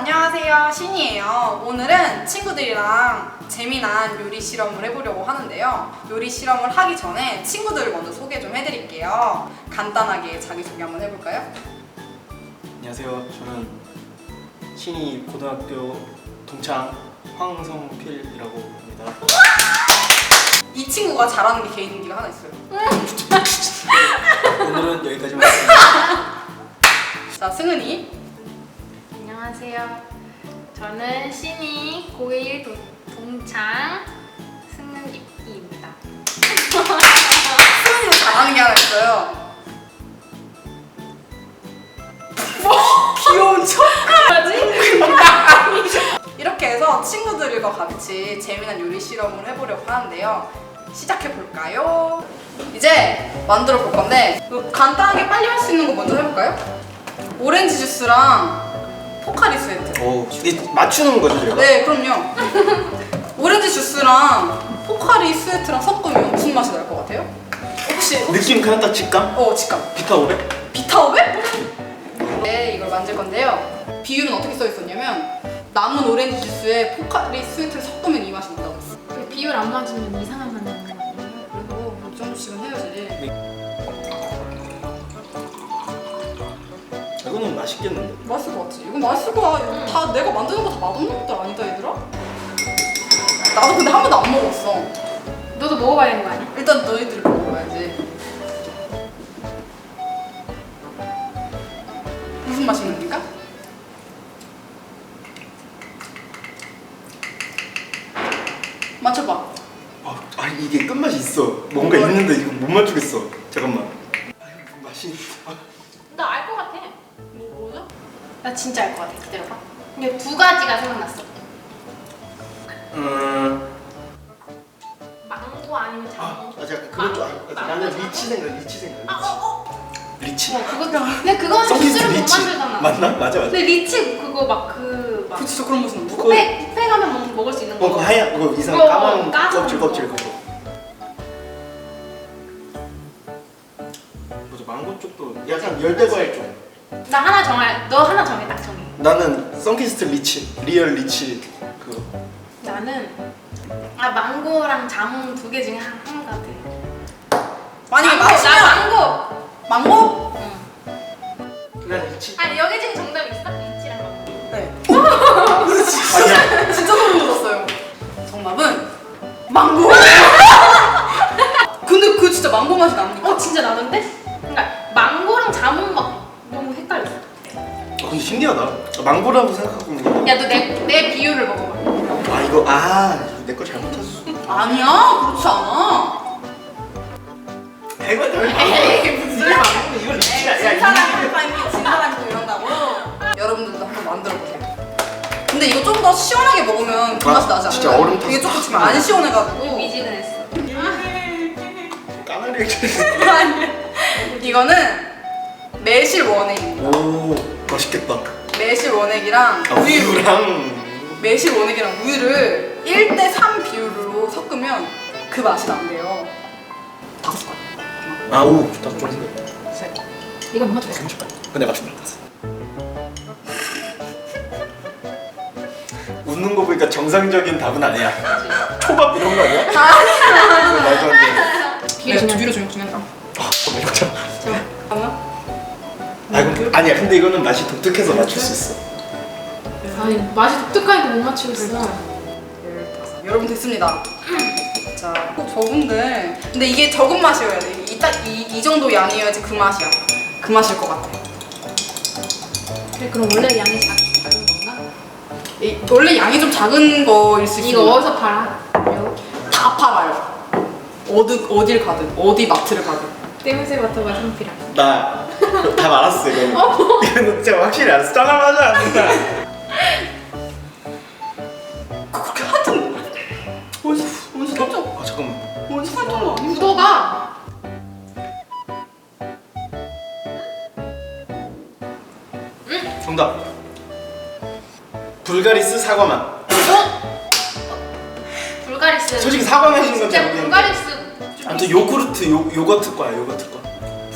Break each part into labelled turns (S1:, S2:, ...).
S1: 안녕하세요, 신이에요. 오늘은 친구들이랑 재미난 요리 실험을 해보려고 하는데요. 요리 실험을 하기 전에 친구들을 먼저 소개 좀 해드릴게요. 간단하게 자기소개 한번 해볼까요?
S2: 안녕하세요. 저는 신이 고등학교 동창 황성필이라고 합니다.
S1: 이 친구가 잘하는 게 개인기가 하나 있어요.
S2: 오늘은 여기까지만 하겠습니다.
S1: 자, 승은이.
S3: 안녕하세요. 저는 신이 고1 동창 승은이입니다.
S1: 승은이도 잘하는 게 하나 있어요. 귀여운 척. 이렇게 해서 친구들과 같이 재미난 요리 실험을 해보려고 하는데요. 시작해볼까요? 이제 만들어 볼 건데 간단하게 빨리 할 수 있는 거 먼저 해볼까요? 오렌지 주스랑 포카리 스웨트.
S2: 오, 이게 맞추는 거죠, 제가?
S1: 네, 그럼요. 오렌지 주스랑 포카리 스웨트랑 섞으면 무슨 맛이 날 것 같아요? 혹시
S2: 느낌 그냥 딱 직감?
S1: 직감.
S2: 비타 500?
S1: 비타오백? 네, 이걸 만들 건데요. 비율은 어떻게 써 있었냐면 남은 오렌지 주스에 포카리 스웨트를 섞으면 이 맛이 난다고 했어.
S3: 그 비율 안 맞으면 이상한 맛 나는 거 아니에요?
S1: 그래도 뭐 이 정도씩은 해야지.
S2: 이거는 맛있겠는데?
S1: 맛있을 것 같지? 이거 맛있을 거야. 이거 다 내가 만드는 거 다 맛없는 것들 아니다, 얘들아? 나도 근데 한 번도 안 먹었어.
S3: 너도 먹어봐야 되는 거 아니야?
S1: 일단 너희들이 먹어봐야지. 무슨 맛이 납니까? 맞춰봐.
S2: 아니 이게 끝맛이 있어. 뭔가 있는데 이거 못 맞추겠어. 잠깐만. 아유, 맛이.
S3: 나 알 것 같아.
S1: 뭐죠?
S3: 나 진짜 알 것 같아. 기다려봐. 근데 두 가지가 생각났어. 망고 아니면 자몽.
S2: 잠깐 그건 좀 나는 리치 생각. 리치.
S3: 그거 근데 그거는
S2: 서비스
S3: 주스를 못
S2: 리치.
S3: 만들잖아.
S2: 맞나? 맞아.
S3: 근데 리치 그거 막
S1: 그 진짜 그런 맛이 난다.
S3: 뷔페 가면 먹을 수 있는 거.
S2: 그 하얀 그거 이상
S3: 그거
S2: 까만
S3: 까만
S2: 껍질
S3: 거.
S2: 그거. 뭐죠? 망고 쪽도 약간 열대과일 쪽.
S3: 나 하나 정할. 너 하나 정해. 딱 정해.
S2: 나는 선키스트 리치, 리얼 리치 그거.
S3: 나는 망고랑 자몽 두 개 중에 한 가지.
S1: 만약에
S3: 나
S1: 맛이면
S3: 망고.
S1: 망고?
S3: 응.
S2: 난 리치.
S3: 아니 여기 중에 정답 있어? 리치랑 망고.
S1: 네.
S2: 아니야.
S1: 진짜 소름 돋았어요. 정답은 망고. 근데 그 진짜 망고 맛이 납니까?
S3: 진짜 나는데? 그러니까 망고랑 자몽 막 너무 헷갈렸어.
S2: 근데 신기하다. 망고라고 생각하고 있는
S3: 야 너 내 비율을 먹어봐.
S2: 이거 내 거 잘못했어.
S1: 아니야, 그렇지 않아.
S2: 이거
S1: 에이, 무슨
S2: 이거 망고 이거 리치야.
S1: 진 사람이 파이팅, 진 사람이 또 이런다고. 여러분들도 한번 만들어 보세요. 근데 이거 좀 더 시원하게 먹으면 그 맛이 나지 않아요?
S2: 진짜 얼음 타서
S1: 이게 조금 지금 안 시원해가지고.
S3: 미지근했어.
S2: 까나리.
S1: 이거는 매실 원액입니다.
S2: 오 맛있겠다.
S1: 매실 원액이랑
S2: 우유랑.
S1: 매실 원액이랑 우유를 1대3 비율로 섞으면 그 맛이 난대요. 5숟가락.
S2: 오 좋다. 좀 생겼다.
S1: 셋.
S3: 이거 못 맞췄어.
S2: 근데 맞춘다. 웃는 거 보니까 정상적인 답은 아니야. 초밥 이런 거 아니야? 아니야. 말도 안 돼.
S3: 비율 중요해.
S1: 비율이 중요하다.
S2: 정말 이거잖아.
S1: 잠깐만.
S2: 아니야. 근데 이거는 맛이 독특해서 맞출 수 있어.
S3: 아니 맛이 독특하니까 못 맞추겠어.
S1: 15. 여러분 됐습니다. 자, 저분들 근데 이게 적은 맛이어야 돼. 이 정도 양이어야지 그 맛이야. 그 맛일 것 같아.
S3: 그래 그럼 원래 양이 작은 건가?
S1: 원래 양이 좀 작은 거일 수 있습니다.
S3: 이거 어디서 팔아?
S1: 다 팔아요. 어딜 가든 어디 마트를 가든.
S3: 떼무새 버터가 상필이야.
S2: 나 다 알았어 이거. 이거는 진짜 확실히 알았어. 짜장하지 않는다.
S1: 그렇게 하여튼 원수 깜짝
S2: 잠깐만.
S1: 원수 깜짝 아니야.
S3: 구도가
S2: 정답. 불가리스 사과맛.
S3: 불가리스.
S2: 솔직히 사과 맛인 건지
S3: 진짜
S2: 모르겠는데.
S3: 불가리스.
S2: 아무튼 요구르트 요거트 거야 요거트 거.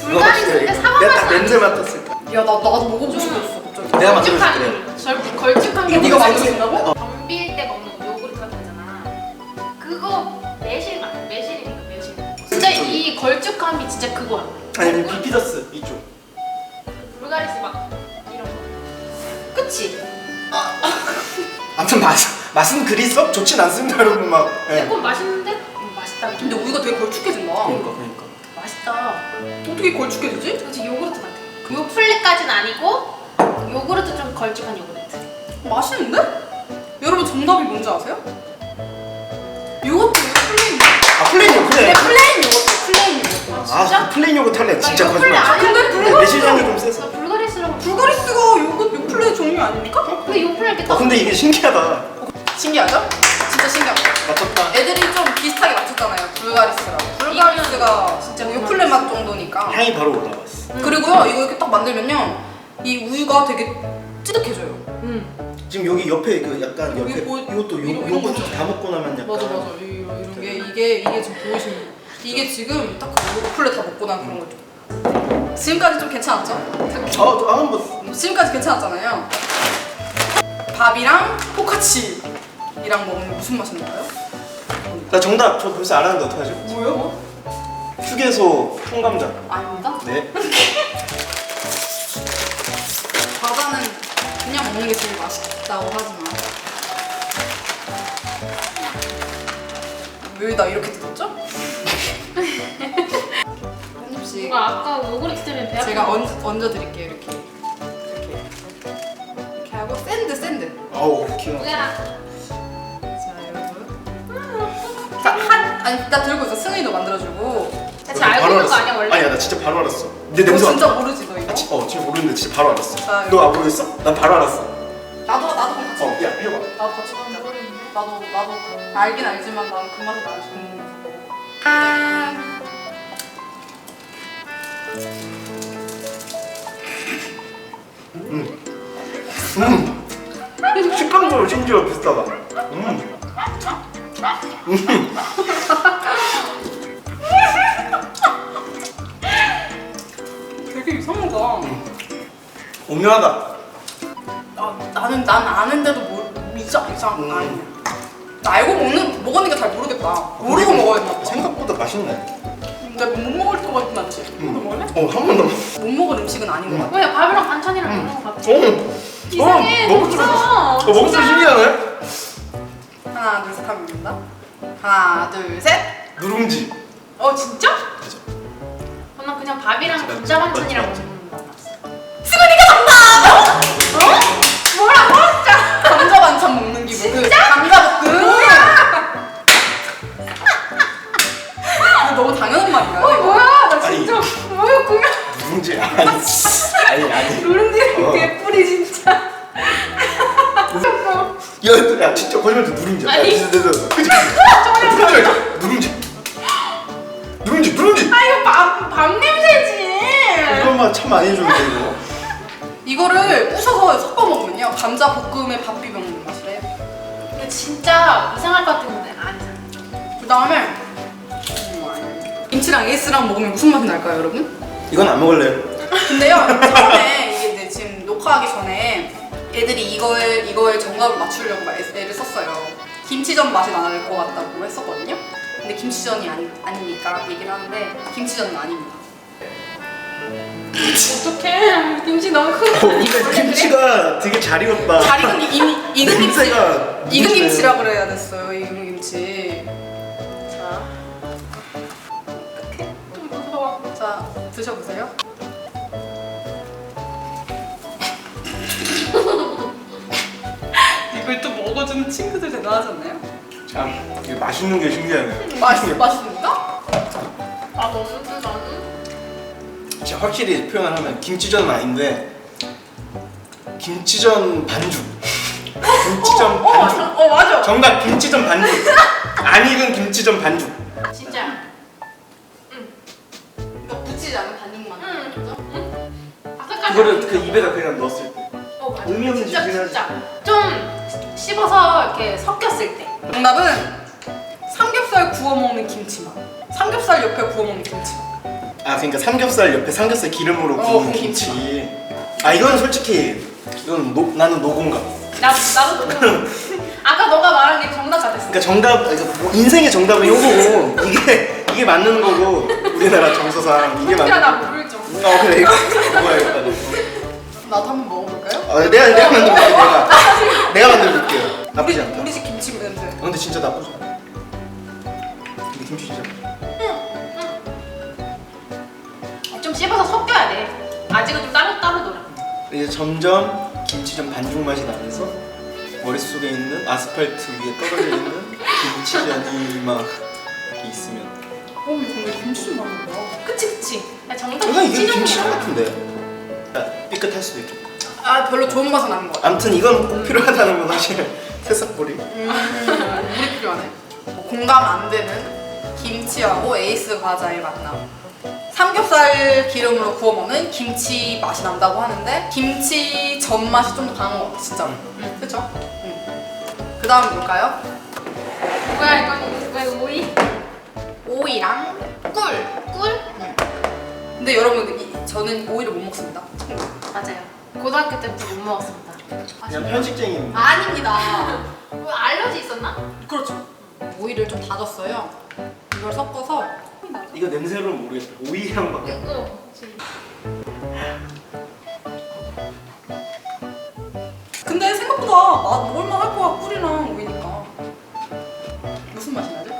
S3: 불가리스인데 사과
S2: 내가
S3: 맛이
S2: 딱 냄새 맡았을 거야.
S1: 야, 나도 먹어보고 싶었어 갑자기.
S2: 내가 만들어줄게.
S3: 걸쭉한 걸쭉한 게
S1: 이거
S3: 뭔지
S1: 만들어준다고?
S3: 덤빌 때 먹는 요구르트 같은 거 있잖아. 그거 매실 맞아. 매실이니까 매실. 진짜 이 걸쭉함이 진짜 그거야.
S2: 아니 비피더스 이쪽.
S3: 불가리스 막 이런 거. 그치?
S2: 아무튼 맛은 그리 썩 좋진 않습니다 여러분 막. 예.
S3: 조금 맛있는데? 맛있다.
S1: 근데 우유가 되게 걸쭉해진다.
S2: 그러니까.
S3: 맛있다.
S1: 어떻게 걸쭉해지지?
S3: 그치 요구르트 같아. 요플레까지는 아니고 요구르트 좀 걸쭉한 요구르트.
S1: 맛있는데? 여러분 정답이 뭔지 아세요? 요거트 플레인.
S2: 아 플레인 요거트.
S1: 네, 플레인 요거트. 플레인 요거트.
S3: 진짜?
S2: 아 플레인 요거트 할래. 진짜
S3: 나 요플레
S2: 거짓말.
S3: 아니야.
S1: 근데
S2: 근데 매실향이 좀 세서.
S3: 나 불가리스라고.
S1: 불가리스가 요플레 종류 아닙니까?
S3: 근데 요플레 이렇게
S2: 근데 이게 신기하다.
S1: 신기하죠? 진짜 신기합니다.
S2: 맞췄다.
S1: 애들이 좀 비슷하게 맞췄잖아요. 불가리스라고. 불가리스가 진짜
S3: 진짜
S1: 요플레 맛 정도니까.
S2: 향이 바로 올라왔어.
S1: 그리고요 이거 이렇게 딱 만들면요 이 우유가 되게 찌득해져요.
S2: 지금 여기 옆에 그 약간 옆에
S1: 이게 뭐-
S2: 이것도
S1: 이런
S2: 요거트
S1: 거죠.
S2: 다 먹고 나면 약간.
S1: 맞아 이런 게 이게 지금 보이시는 이게 지금 딱 요플레 다 먹고 난 그런 거죠. 지금까지 좀 괜찮았죠?
S2: 한번
S1: 지금까지 괜찮았잖아요. 밥이랑 포카치이랑 먹으면 무슨 맛이 날까요?
S2: 나 정답 저 벌써 알았는데 어떡하죠?
S1: 뭐요?
S2: 휴게소 통감자.
S1: 아닙니다.
S2: 네.
S1: 과자는 그냥 먹는 게 제일 맛있다고 하지만 왜 나 이렇게 뜯었죠? 한 입씩
S3: 뭔가 아까 요구르트 때문에 배 아픈
S1: 제가
S3: 거.
S1: 얹어 드릴게요. 이렇게 하고 샌드.
S2: 아우 귀여워.
S3: 뭐야?
S1: 자 여러분. 아니 나 들고 있어. 승희도 만들어주고.
S3: 대체 알고 있는 거 아니야 원래?
S2: 아니야 나 진짜 바로 알았어. 내
S1: 너
S2: 냄새
S1: 진짜
S2: 맡아.
S1: 모르지 너 이거?
S2: 지금 모르는데 진짜 바로 알았어.
S1: 자,
S2: 너 안 모르겠어? 난 바로 알았어.
S1: 나도 그럼 같이.
S2: 야 해봐.
S1: 나도 같이 먹자. 나도 알긴 알지만 나는 그 맛을 알지.
S2: 식감도 심지어 비슷하다.
S1: 되게 이상하다.
S2: 오묘하다.
S1: 난 아는데도 이상 아니야. 나 알고 먹었는데 잘 모르겠다. 모르고 먹어야 되나 봐.
S2: 생각보다 맛있네.
S1: 내가 못 먹을 것 같진 않지? 너 먹을래?
S2: 한 번 더.
S1: 못 먹을 음식은 아닌 것 같아.
S3: 뭐야 밥이랑 반찬이랑 먹는 거 같아.
S2: 이상해. 먹을 줄
S3: 없어.
S2: 먹을 줄 신기하네.
S1: 하나 둘 셋 하면 됩니다. 하나 둘 셋.
S2: 누룽지.
S3: 진짜? 난 그냥 밥이랑 감자 반찬이랑 먹는 거 같았어.
S1: 승은이가 정답! 뭐라고? 진짜 감자 반찬 먹는 기분. 진짜? 감자 볶음. 너무 당연한 말인가요? 이거?
S3: 뭐야 나
S2: 아니.
S3: 진짜 뭐였구나.
S2: 누룽지 아니.
S3: 누룽지 개뿔이 진짜.
S2: 야 진짜 거짓말도 누룽지.
S3: 아니.
S2: 진짜 그치? 누룽지.
S3: 아 이거 밥 냄새지.
S2: 이것만 참 많이 해주는데 이거.
S1: 이거를 부셔서 섞어 먹으면요 감자 볶음에 밥 비벼 먹는 맛이래요.
S3: 근데 진짜 이상할 것 같은데 안 이상해.
S1: 그 다음에 김치랑 에이스랑 먹으면 무슨 맛이 날까요, 여러분?
S2: 이건 안 먹을래요.
S1: 근데요 처음에 이게 이제 지금 녹화하기 전에 애들이 이거에 정답을 맞추려고 막 애를 썼어요. 김치전 맛이 날 것 같다고 했었거든요. 근데 김치전이 아니니까 얘기를 하는데 김치전은 아닙니다.
S3: 어떡해. 김치 너무 크고.
S2: 근데 김치가 되게 잘 익었다.
S1: 잘 익은 익은 김치.
S2: 냄새가
S1: 익은 김치라 그래야 됐어요. 익은 김치. 자,
S3: 좀 무서워.
S1: 자 드셔보세요. 이걸 또 먹어주는 친구들 대단하지 않나요?
S2: 참 이게 맛있는 게 신기하네.
S1: 맛있습니까?
S3: 아 먹는데 나는.
S2: 진짜 확실히 표현을 하면 김치전은 아닌데 김치전 반죽. 김치전 반죽.
S1: 맞아.
S2: 정답 김치전 반죽. 안 익은 김치전 반죽.
S3: 진짜.
S1: 이거 붙이지 않은 반죽만.
S3: 응. 아까까지.
S2: 그거를 그 입에다 그냥 넣었을 때.
S3: 맞아.
S2: 의미 없는
S3: 진짜
S2: 짓이긴
S3: 진짜. 좀 씹어서 이렇게 섞였을 때.
S1: 정답은 삼겹살 구워 먹는 김치맛. 삼겹살 옆에 구워 먹는 김치맛.
S2: 아 그러니까 삼겹살 옆에 삼겹살 기름으로 구운
S1: 구운
S2: 김치. 아 이건 솔직히 이건 나는 노공감.
S3: 나도 너무. 아까 너가 말한 게 정답 같았어.
S2: 그러니까 정답, 그러니까 뭐 인생의 정답은 요거고 이게 맞는 거고 우리나라 정서상 이게 맞는
S3: 나
S2: 거고.
S3: 모를 좀.
S2: 그래 이거 먹어야겠다.
S1: 나도 한번 먹어볼까요?
S2: 내가 만들어볼게. 내가 만들어볼게요. 나쁘지 않다.
S1: 우리 집 김치 냄새.
S2: 근데 진짜 나쁘지 않아. 근데 김치 진짜.
S3: 좀 씹어서 섞여야 돼. 아직은 좀 따로 놀아.
S2: 이제 점점 김치전 반죽 맛이 나면서 머릿속에 있는 아스팔트 위에 떨어져 있는 김치전이 막 이렇게 있으면.
S1: 근데 김치 맛있는 거야.
S3: 그치. 야, 정답
S2: 그냥 이게
S3: 김치전이야.
S2: 김치전 같은데. 삐끗할 수도 있겠고.
S1: 별로 좋은 맛은 아닌 것 같아.
S2: 아무튼 이건 꼭 필요하다는 건 사실 새싹보리.
S1: 우리 필요하네. 공감 안 되는 김치하고 에이스 과자의 만남. 삼겹살 기름으로 구워 먹는 김치 맛이 난다고 하는데 김치 전 맛이 좀 더 강한 것 같아 진짜로. 그렇죠? 그 다음 뭘까요?
S3: 뭐야 이건 왜 오이?
S1: 오이랑 꿀.
S3: 꿀?
S1: 근데 여러분 저는 오이를 못 먹습니다.
S3: 맞아요. 고등학교 때부터 못 먹었습니다.
S2: 그냥 편식쟁이.
S1: 아닙니다.
S3: 뭐 알러지 있었나?
S1: 그렇죠. 오이를 좀 다졌어요. 이걸 섞어서
S2: 이거 냄새로는 모르겠어. 오이향 막.
S1: 근데 생각보다 먹을만 할 거야. 꿀이랑 오이니까. 무슨 맛이 나지?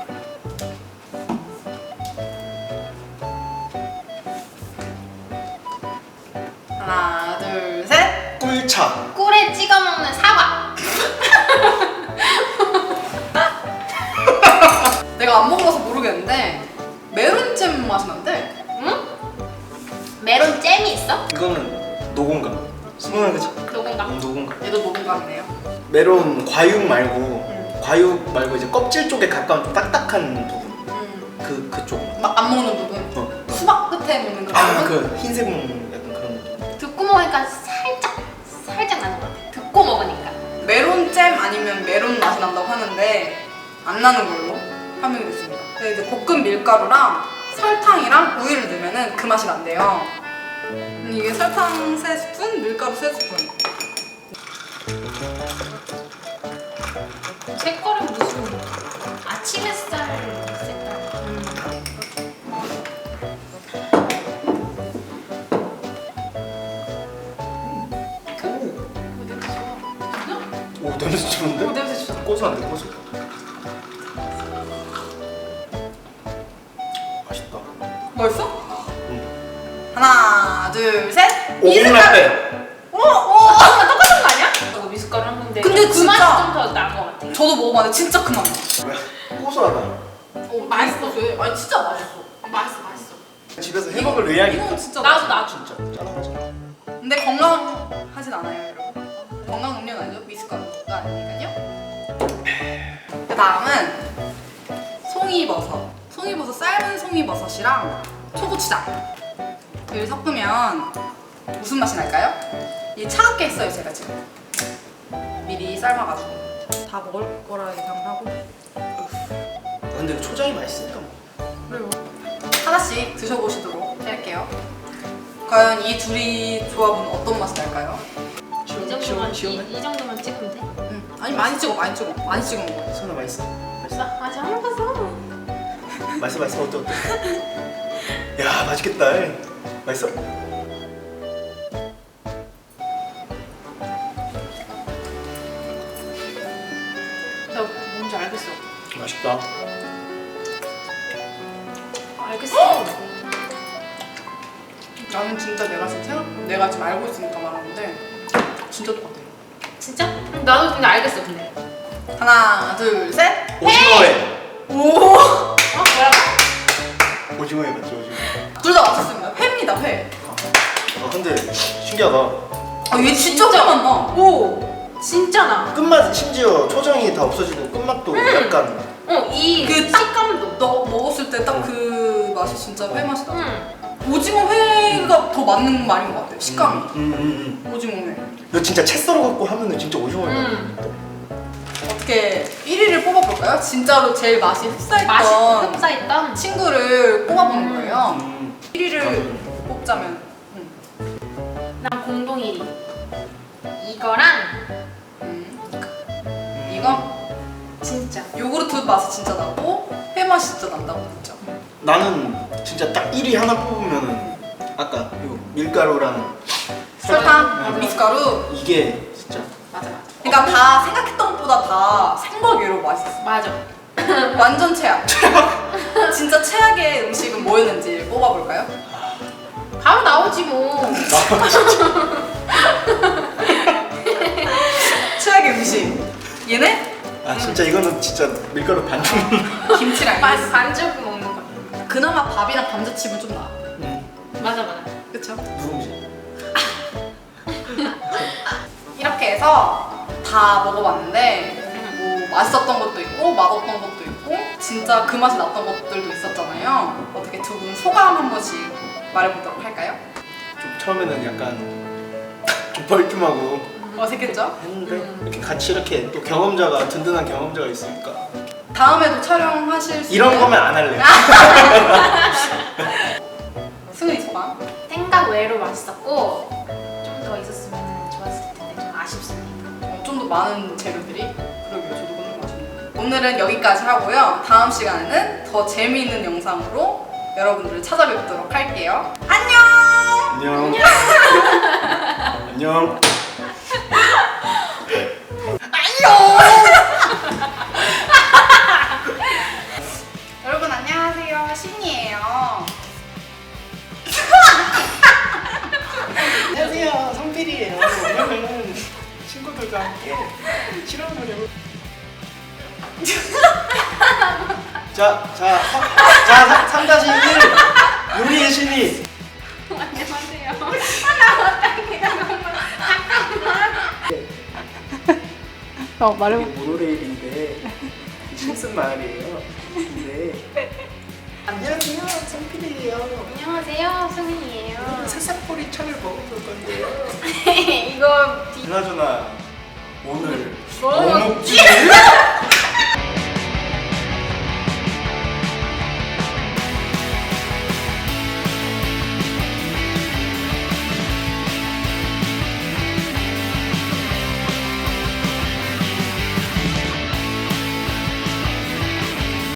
S1: 하나 둘 셋.
S2: 꿀차.
S3: 꿀에 찍어 먹는 사과.
S1: 내가 안 먹어봐서 모르겠는데 메론잼 맛이 난대.
S3: 응? 메론 잼이 있어?
S2: 이거는 노공감. 승원아 그치?
S3: 노건가?
S2: 노공감.
S1: 얘도 노동감이네요.
S2: 메론 과육 말고 과육 말고 이제 껍질 쪽에 가까운 좀 딱딱한 부분. 그쪽.
S1: 안 먹는 부분. 수박 끝에 먹는 그 부분.
S2: 그 흰색 약간 그런 느낌.
S3: 듣고 먹으니까 살짝 나는 것 같아. 듣고 먹으니까.
S1: 메론잼 아니면 메론 맛이 난다고 하는데 안 나는 걸로 판명이 됐습니다. 근데 이제 볶은 밀가루랑 설탕이랑 우유를 넣으면은 그 맛이 난대요. 이게 설탕 3스푼, 밀가루 3스푼.
S3: 색깔은 무슨 아침 햇살 색깔.
S2: 오 냄새 좋은데?
S1: 냄새 진짜
S2: 고소한데 고소. 맛있다.
S1: 맛있어? 하나, 둘, 셋.
S2: 오븐라떼.
S3: 똑같은 거 아니야? 저거 미숫가루 한 건데.
S1: 근데
S3: 그
S1: 진짜-
S3: 맛이 좀 더 나은 것 같아.
S1: 저도 먹어봤는데 진짜 그 맛.
S2: 뭐야? 고소하다.
S1: 맛있어. 아니 진짜 맛있어.
S3: 맛있어.
S2: 집에서 해먹을 의향이
S1: 이건
S2: 있다.
S1: 진짜
S3: 나도
S1: 맛있어.
S3: 나도.
S2: 진짜 짠하지.
S1: 근데 건강하진 않아요, 여러분. 건강 음료는 아니죠. 미숫가루가 아니니까요. 그 다음은 송이버섯. 송이버섯 삶은 송이버섯이랑 초고추장을 섞으면 무슨 맛이 날까요? 이 차갑게 했어요, 제가 지금. 미리 삶아가지고 다 먹을 거라 예상을 하고.
S2: 근데 이거 초장이 맛있으니까 뭐.
S1: 그래요. 하나씩 드셔보시도록 할게요. 과연 이 둘이 조합은 어떤 맛이 날까요?
S3: 이 정도만 찍으면 돼?
S1: 아니 많이 찍어 많이 먹어.
S2: 선아 맛있어?
S3: 맛있어? 아직 안 먹었어.
S2: 맛있어 어때? 야 맛있겠다. 맛있어?
S3: 나 뭔지 알겠어.
S2: 맛있다.
S3: 알겠어.
S1: 나는 진짜 내가 지금 알고 있으니까 말하는데 진짜 똑같아.
S3: 진짜? 나도 근데 알겠어 근데.
S1: 하나 둘 셋.
S2: 오징어회.
S1: 오.
S3: 뭐라고?
S2: 오징어회 맞죠 오징어.
S1: 둘 다 맞췄습니다. 회입니다 회.
S2: 근데 신기하다.
S1: 얘 진짜 맛나. 오.
S3: 진짜 나.
S2: 끝맛 심지어 초장이 다 없어지고 끝맛도 약간.
S3: 이
S1: 그
S3: 식감도.
S1: 너 먹었을 때 딱 그 맛이 진짜 회 맛이 나.
S3: 응.
S1: 오징어 회가 더 맞는 말인 것 같아. 식감이. 오징어 회.
S2: 이거 진짜 채 썰어 갖고 하면은 진짜 오징어회.
S1: 어떻게 1위를 뽑아볼까요? 진짜로 제일 맛이 흡사했던
S3: 흡사했던.
S1: 친구를 뽑아보는 거예요. 1위를
S2: 나도.
S1: 뽑자면
S3: 난 공동 1위. 이거랑
S1: 이거
S3: 진짜.
S1: 요구르트 맛이 진짜 나고 회 맛이 진짜 난다고 했죠.
S2: 나는 진짜 딱 1위 하나 뽑으면은 아까 이거 밀가루랑
S1: 설탕,
S2: 네.
S1: 미숫가루.
S2: 이게 진짜
S3: 맞아 맞아.
S1: 그러니까 다 생각했던 것보다 다 생각외로 맛있었어.
S3: 맞아.
S1: 완전 최악. 진짜 최악의 음식은 뭐였는지 뽑아볼까요?
S3: 바로 나오지 뭐.
S1: 최악의 음식. 얘네?
S2: 아 진짜 이거는 진짜 밀가루 반죽.
S1: 김치랑
S3: 반죽 먹는 거.
S1: 그나마 밥이랑 감자칩은 좀 나아.
S3: 맞아 맞아.
S1: 그쵸?
S2: 누룽지.
S1: 이렇게 해서 다 먹어봤는데 뭐 맛있었던 것도 있고 맛없던 것도 있고 진짜 그 맛이 났던 것들도 있었잖아요. 어떻게 두 분 소감 한 번씩 말해보도록 할까요?
S2: 좀 처음에는 약간 좀 벌쭘하고
S1: 어색했죠?
S2: 했는데 이렇게 같이 이렇게 또 경험자가 든든한 경험자가 있으니까
S1: 다음에도 촬영하실 수
S2: 이런
S1: 있나요?
S2: 거면 안 할래.
S1: 승은이 소감?
S3: 생각 외로 맛있었고 좀 더 있었으면 좋았을 텐데 좀 아쉽습니다.
S1: 좀 더 많은 재료들이 그러게요. 저도 그런 거 같네요. 오늘은 여기까지 하고요. 다음 시간에는 더 재미있는 영상으로 여러분들을 찾아뵙도록 할게요. 안녕!
S2: 안녕. 안녕.
S1: 여러분 안녕하세요. 신이에요.
S2: 안녕하세요. 성필이에요. 오늘은 친구들과 함께 실험을 해볼. 자, 3-1 요리의 신이.
S3: 안녕하세요.
S2: 이게 모노레일인데 신승 마을이에요. 근데 안녕하세요. 성필이에요.
S3: 안녕하세요. 승민이에요.
S2: 새싹포리 차를 먹어볼 건데요.
S3: 이거
S2: 그나저나 오늘
S3: 뭐
S2: 뭐 먹지?